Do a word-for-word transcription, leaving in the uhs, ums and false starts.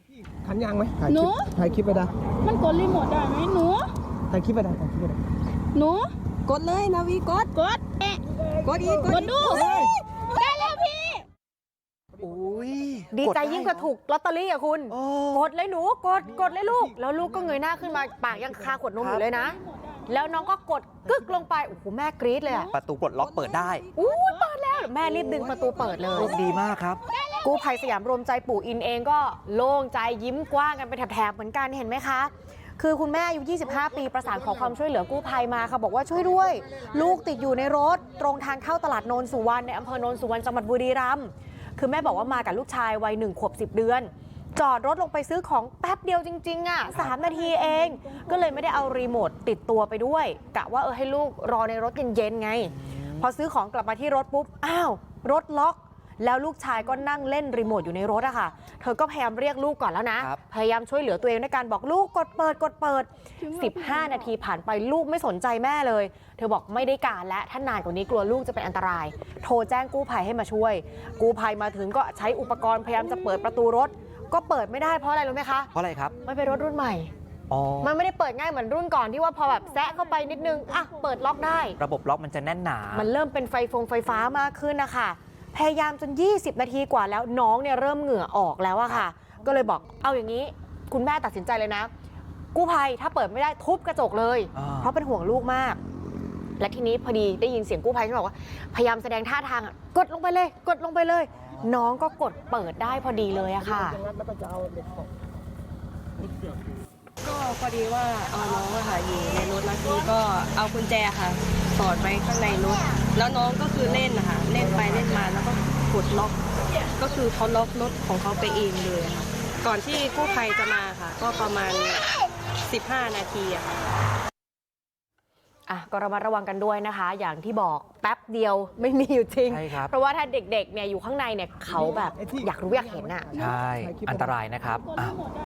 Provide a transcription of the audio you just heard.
ขันยางไหมถ่ายหคนูลิปถ่ายคลิปไปได้มันกดรีโมทได้ไหมหนูถ่ายคลิปไปได้ถ่ายคลิปไปได้หนูกดเลยนาวีกดกดแอะกดอีกกดดูได้แล้วพี่อุ้ยดีใจกไยิ่งกว่าถูกลอตเตอรี่อะคุณโอ้กดเลยหนูกดกดเลยลูก แล้วลูกก็เงยหน้าขึ้นมาปากยังคาขวดนมอยู่เลยนะ แล้วน้องก็กดกึกลงไปโอ้โหแม่กรี๊ดเลยอะประตูปลดล็อกเปิดได้อู้ยเปิดแล้วแม่รีบดึงประตูเปิดเลยโชคดีมากครับกู้ภัยสยามรวมใจปู่อินเองก็โล่งใจยิ้มกว้างกันเป็นแถบๆเหมือนกันเห็นไหมคะ คือคุณแม่อายุยี่สิบห้าปีประสานขอความช่วยเหลือกู้ภัยมาค่ะบอกว่าช่วยด้วย ลูกติดอยู่ในรถตรงทางเข้าตลาดโนนสุวรรณในอำเภอโนนสุวรรณจังหวัดบุรีรัมย์คือแม่บอกว่ามากับลูกชายวัยหนึ่งขวบสิบเดือนจอดรถลงไปซื้อของแป๊บเดียวจริงๆอ่ะสามนาทีเอง ก็เลยไม่ได้เอารีโมทติดตัวไปด้วยกะว่าเออให้ลูกรอในรถเย็นๆไงพอซื้อของกลับมาที่รถปุ๊บอ้าวรถล็อกแล้วลูกชายก็นั่งเล่นรีโมทอยู่ในรถอะค่ะเธอก็พยายามเรียกลูกก่อนแล้วนะพยายามช่วยเหลือตัวเองด้วยการบอกลูกกดเปิดกดเปิดสิบห้านาทีผ่านไปลูกไม่สนใจแม่เลยเธอบอกไม่ได้การและถ้านานกว่านี้กลัวลูกจะเป็นอันตรายโทรแจ้งกู้ภัยให้มาช่วยกู้ภัยมาถึงก็ใช้อุปกรณ์พยายามจะเปิดประตูรถก็เปิดไม่ได้เพราะอะไรรู้ไหมคะเพราะอะไรครับมันเป็นรถรุ่นใหม่อ๋อมันไม่ได้เปิดง่ายเหมือนรุ่นก่อนที่ว่าพอแบบแซะเข้าไปนิดนึงอ่ะเปิดล็อกได้ระบบล็อกมันจะแน่นหนามันเริ่มเป็นไฟฟงไฟฟ้ามากขึ้นนะคะพยายามจนยี่สิบนาทีกว่าแล้วน้องเนี่ยเริ่มเหงื่อออกแล้วอะค่ะก็เลยบอกเอาอย่างนี้คุณแม่ตัดสินใจเลยนะกู้ภัยถ้าเปิดไม่ได้ทุบกระจกเลยอ่าเพราะเป็นห่วงลูกมากและทีนี้พอดีได้ยินเสียงกู้ภัยที่บอกว่าพยายามแสดงท่าทางอะกดลงไปเลยกดลงไปเลย น้องก็กดเปิดได้พอดีเลยอะค่ะแล้วก็จะเอาเด็กออกก็พอดีว่าเอาน้องอะค่ะอยู่ในรถแล้วทีนี้ก็เอากุญแจค่ะสอดไว้ข้างในรถแล้วน้องก็คือเล่นนะคะเล่นไปเล่นมาแล้วก็กดล็อกก็คือเขาล็อกรถของเขาไปเองเลยค่ะก่อนที่กู้ภัยจะมาค่ะ ก็ประมาณสิบห้านาทีอะค่ะอ่ะก็ระมัดระวังกันด้วยนะคะ อย่างที่บอกแป๊บเดียวไม่มีอยู่จริงใช่ครับเพราะว่าถ้าเด็กๆเนี่ยอยู่ข้างในเนี่ยเขาแบบอยากรู้อยากเห็นอ่ะใช่ อันตรายนะครับอ่ะ